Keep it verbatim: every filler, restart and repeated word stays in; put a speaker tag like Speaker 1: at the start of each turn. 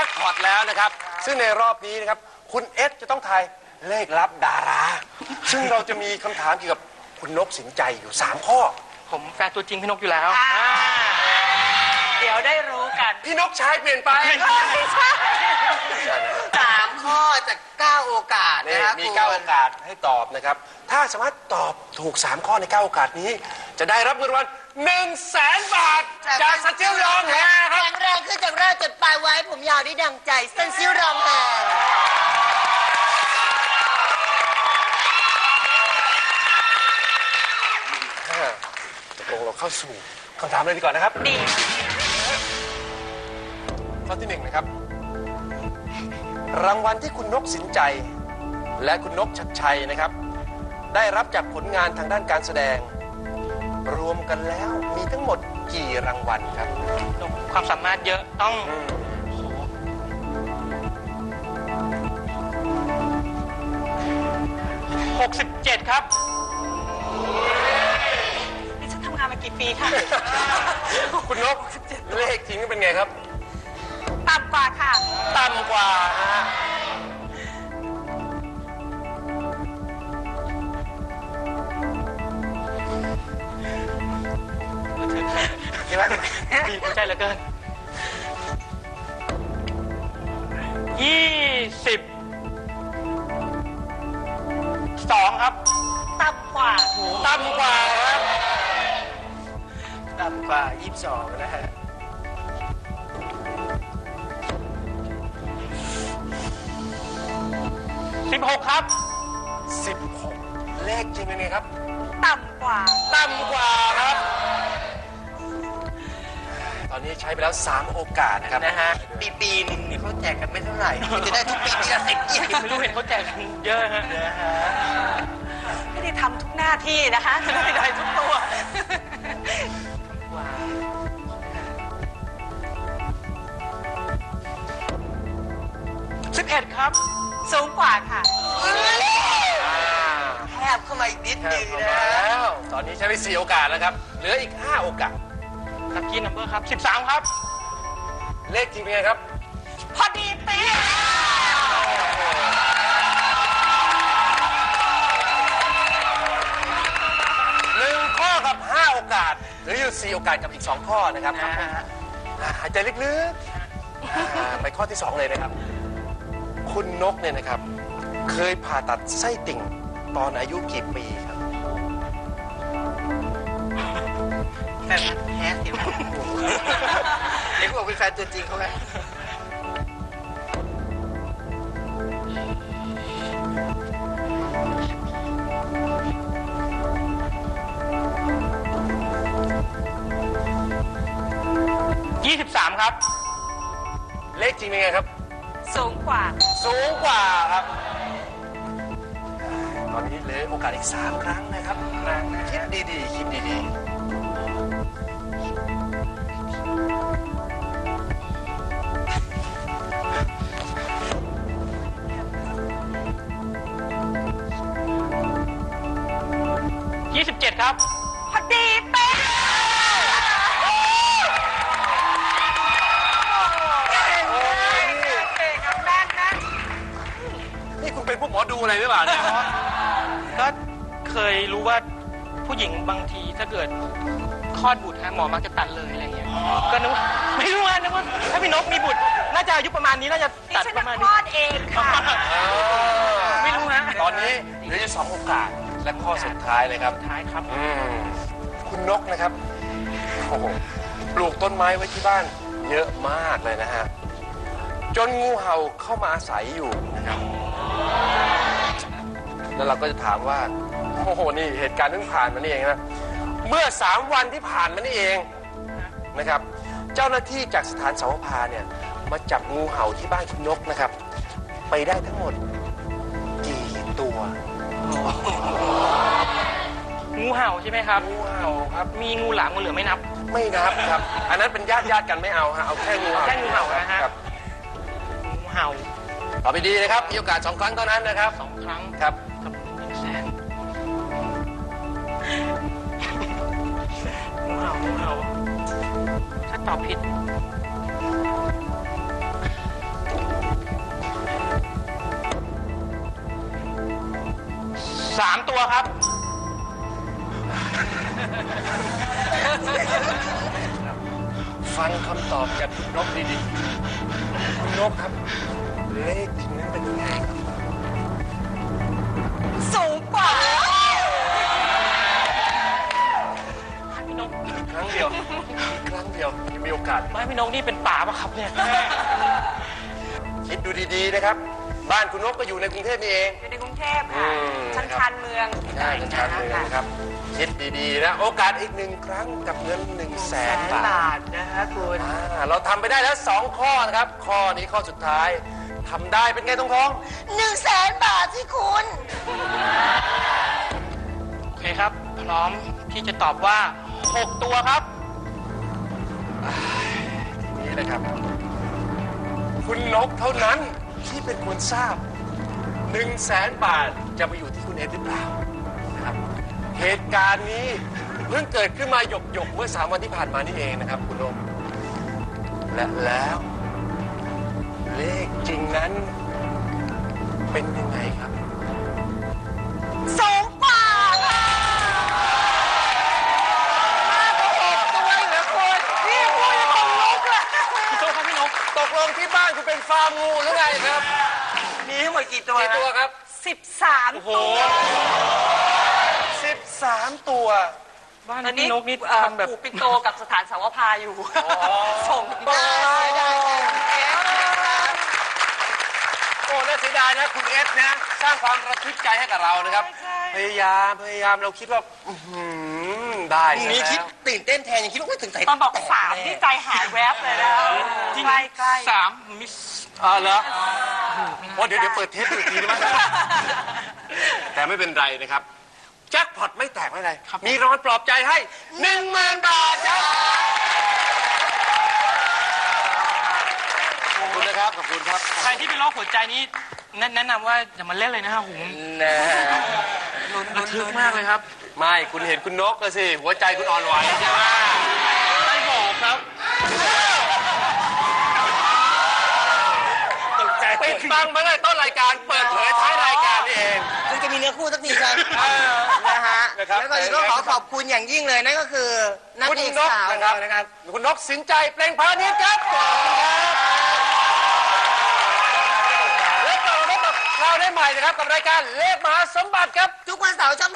Speaker 1: คพอตแล้วนะครับซึ่งในรอบนี้นะครับคุณเอสจะต้องทายเลขลับดาราซึ่งเราจะมีคำถามเกี่ยวกับคุณนกสินใจอยู่สามข้อ
Speaker 2: ผมแฟนตัวจริงพี่นกอยู่แล้ว
Speaker 3: เดี๋ยวได้รู้กัน
Speaker 1: พี่นกชายเปลี่ยนไป
Speaker 3: ไม่ใช่สามข้อจากเก้าโอกาสนะครับ
Speaker 1: มีเก้าโอกาสให้ตอบนะครับถ้าสามารถตอบถูกสามข้อในเก้าโอกาสนี้จะได้รับเงินรางวัลหนึ่งแสนบาทจากซันซิลรองแฮร์ครับ
Speaker 3: แข็งแรงขึ้นจากแรกจนปลายไว้ผมยาวได้ดังใจซันซิลรองแฮร์
Speaker 1: ตกลงเราเข้าสู่คำถามเลยดีกว่านะครับ
Speaker 3: ดี
Speaker 1: ข้อที่หนึ่งนะครับรางวัลที่คุณนกสินใจและคุณนกชัดชัยนะครับได้รับจากผลงานทางด้านการแสดงรวมกันแล้วมีทั้งหมดกี่รางวัลครับ
Speaker 2: ความสามารถเยอะต้องหกสิบเจ็ดครับ
Speaker 3: นี่ฉันทำงานมากี่ปีค่ะ
Speaker 1: คุณนกเลขจริงเป็นไงครับ
Speaker 3: ต่ำกว่าค่ะ
Speaker 1: ต่ำกว่านะฮะ
Speaker 2: ใช่ไหมดีหัวใจเหลือเกินยี่สิบสองครับ
Speaker 3: ต่ำกว่า
Speaker 1: ต่ำกว่าครับ
Speaker 2: ต่ำกว่ายี่สิบสองนะฮะสิบหกครับ
Speaker 1: สิบหกเลขจริงเป็นไงครับ
Speaker 3: ต่ำกว่า
Speaker 1: ต่ำกว่าครับตอนนี้ใช้ไปแล้วสามโอกาสนะครับ
Speaker 3: นะฮะปีปีหนึ่งเนี่ยเขาแจกกันไม่เท่าไหร่จะได้ทุกปีปีละสิบยี่สิบ
Speaker 2: ไม่รู้เห็นเขาแจกกันเยอะฮะ
Speaker 3: ไม่ได้ทำทุกหน้าที่นะคะจะได้ได้ทุกตัว
Speaker 2: สิบเอ็ดครับ
Speaker 3: สูงกว่าค่ะแคบเข้ามาอีกนิดนึงนะ
Speaker 1: แล้วตอนนี้ใช้ไปสี่โอกาสแล้วครับเหลืออีกห้าโอกาส
Speaker 2: ลัคกี้นัมเบอร์ครับสิบสามครับ
Speaker 1: เลขจริงเป็นไงครับ
Speaker 3: พอดีเป๊ะ
Speaker 1: หนึ่งข้อกับห้าโอกาสเหลืออยู่สี่โอกาสกับอีกสองข้อนะครับหายใจลึกๆไปข้อที่สองเลยนะครับคุณนกเนี่ยนะครับเคยผ่าตัดไส้ติ่งตอนอายุกี่ปีครับ
Speaker 3: แฟนแท้เสียงเด็กบอกเป็นแฟนตัวจริงเขาไหม
Speaker 2: ยี่สิบสามครับ
Speaker 1: เลขจริงเป็นไงครับ
Speaker 3: สูงกว่า
Speaker 1: สูงกว่าครับตอนนี้เหลือโอกาสอีกสามครั้งนะครับคิดดีๆคิดดีๆ
Speaker 2: ยี่สิบเจ็ดครับ
Speaker 3: พอดีเป๊ะ
Speaker 1: เป็นพวกหมอดูอะไรหรือเปล่าเนี่ย
Speaker 2: ก็เคยรู้ว่าผู้หญิงบางทีถ้าเกิดคลอดบุตรฮะหมอมักจะตัดเลยอะไรเงี้ยก็นึกไม่รู้นะนึกว่าถ้าพี่นกมีบุตรน่าจะอายุประมาณนี้น่าจะตัดประมาณนี้
Speaker 3: คลอดเองค่ะ
Speaker 2: ไม่รู้ฮะ
Speaker 1: ตอนนี้เหลืออยู่สองโอกาสและข้อสุดท้ายเลยครับ
Speaker 2: ท้ายครับ
Speaker 1: คุณนกนะครับโอ้โหปลูกต้นไม้ไว้ที่บ้านเยอะมากเลยนะฮะจนงูเห่าเข้ามาอาศัยอยู่นะครับแล้วเราก็จะถามว่าโอ้โหนี่เหตุการณ์เพิ่งผ่านมานี่เองนะเมื่อสามวันที่ผ่านมานี่เองนะครับเจ้าหน้าที่จากสถานสาวพาเนี่ยมาจับงูเห่าที่บ้านคุณนกนะครับไปได้ทั้งหมดกี่ตัว
Speaker 2: งูเห่าใช่ไหมครับ
Speaker 1: งูเห่าครับ
Speaker 2: มีงูหลามงูเหลือมไม่นับ
Speaker 1: ไม่นับครับอันนั้นเป็นญาติญาติกันไม่เอาฮะเอาแค่งูเห่า
Speaker 2: แค่งูเห่านะฮะงูเห่า
Speaker 1: ตอบไปดีนะครับมีโอกาสสองครั้งเท่านั้นนะครับ
Speaker 2: สองครั้ง
Speaker 1: ครับ
Speaker 2: กับหนึ่งแสนงูเห่างูเห่าถ้าตอบผิดสามตัวครับ
Speaker 1: ฟังคำตอบจากคุณนกดีๆคุณนกครับ เลขจริงนั้นเป็นยังไงครับ
Speaker 4: สูงกว่า
Speaker 2: พี่นก
Speaker 1: ครั้งเดียวครั้งเดียวยังมีโอกาส
Speaker 2: ไม่พี่นกนี่เป็นป่าปะครับเนี่ย
Speaker 1: คิดดูดีๆนะครับ บ้านคุณนกก็อยู่ในกรุงเทพนี่เอง
Speaker 4: อยู่ในกรุงเทพ
Speaker 1: อื
Speaker 4: ค่ะ
Speaker 1: ม
Speaker 4: ชั้น
Speaker 1: ครับ
Speaker 4: ชานเมือง
Speaker 1: ใช่ชันๆเลยนะครับ คิดดีๆนะ โอกาสอีกหนึ่งครั้งกับเงินหนึ่งแส
Speaker 3: แส
Speaker 1: น
Speaker 3: น
Speaker 1: บา
Speaker 3: บา
Speaker 1: ท
Speaker 3: ทนะฮะคุณ
Speaker 1: อ่าเราทำไปได้แล้วสองข้อนะครับ ข้อนี้ข้อสุดท้ายทำได้เป็นไงทองทอง
Speaker 4: หนึ่งแสนบาทที่คุณ
Speaker 2: โอเคครับ พร้อมที่จะตอบว่าหกตัวครับ
Speaker 1: นี่นะครับ คุณนกเท่านั้นที่เป็นคนทราบหนึ่งแสนบาทจะไปอยู่ที่คุณเอ็ดหรือเปล่านะครับ เหตุการณ์นี้เพิ่งเกิดขึ้นมาหยกหยกๆเมื่อสามวันที่ผ่านมานี่เองนะครับ คุณนกและแล้ว เลขจริงนั้นเป็นยังไงครับ
Speaker 4: สูงกว่าค่ะมากกว่าหกตัวอีกเหรอคุณพี่พูดยังขนลุกอ่ะ
Speaker 2: พี่โจ้ครับพี่นก
Speaker 1: ตกลงที่บ้านคุณเป็นฟาร์มงูหรือไงครับ
Speaker 3: มีทั้งหมดกี่ตัว
Speaker 1: กี่ตัวครับ
Speaker 4: สิบสาม
Speaker 2: โอ้โห
Speaker 1: สิบสามตัว
Speaker 2: บ้าน
Speaker 4: ตอนนี้
Speaker 2: พี่นกนี่
Speaker 4: เอ่อ
Speaker 2: ทำแบบ
Speaker 4: ปู่ปิโตกับสถานสาวพาอยู่ ส่ง
Speaker 1: ได้
Speaker 4: ได้
Speaker 1: ได้
Speaker 4: ได้
Speaker 1: โอ้น่าเสียดายนะคุณเอสนะ สร้างความระทึกใจให้กับเรานะครับ พยายามพยายามเราคิดว่า อื้อหือได้ซะ
Speaker 3: นี่คิด
Speaker 1: แล้ว
Speaker 3: ตื่นเต้นแทนยังคิดว่าไม่ถึงใจ
Speaker 4: ตอนบอกสาม
Speaker 3: แ
Speaker 4: ที่ใจหายแวบเลยนะ
Speaker 2: จริง
Speaker 4: ใกล้ใกล้
Speaker 2: สามมิส
Speaker 1: อ๋อเหรอโอ้เดี๋ยวเดี๋ยวเปิดเทปดูอีกทีได้ไหมแต่ไม่เป็นไรนะครับ แจ็คพอตไม่แตกไม่เป็นไร มีรางวัลปลอบใจให้หนึ่งหมื่นบาทครับ ขอบคุณนะครับ ขอบคุณครับ
Speaker 2: ใครที่เป็นโรคหัวใจนี้แนะแนะนำว่าอย่ามาเล่นเลยนะครับผม
Speaker 1: นะ
Speaker 2: ระทึกมากเลยครับ
Speaker 1: ไม่ คุณเห็นคุณนกก็สิ หัวใจคุณอ่อนไหวใช่ไหม
Speaker 2: ไม่บอกครับ
Speaker 3: ตกใจ
Speaker 1: ปิดบังมาเลยต้นรายการ เปิดเผยท้ายรายการนี่เอง
Speaker 3: ซึ่งจะมีเนื้อคู่สักทีครับ
Speaker 1: เออ
Speaker 3: นะฮะ
Speaker 1: นะครับ
Speaker 3: แล้วก็อีกก็ขอขอบคุณอย่างยิ่งเลยนั่นก็คือนัก
Speaker 1: คุณ
Speaker 3: เอก
Speaker 1: นก
Speaker 3: สาว
Speaker 1: นะครับ
Speaker 3: นะครับ
Speaker 1: คุณนกสินใจเปล่งพาณิชย์ครับขอบคุณครับและกลับมาพบกับเราได้ใหม่นะครับกับรายการเลขมหาสมบัติครับ
Speaker 3: ทุกวันเสาร์ช่อง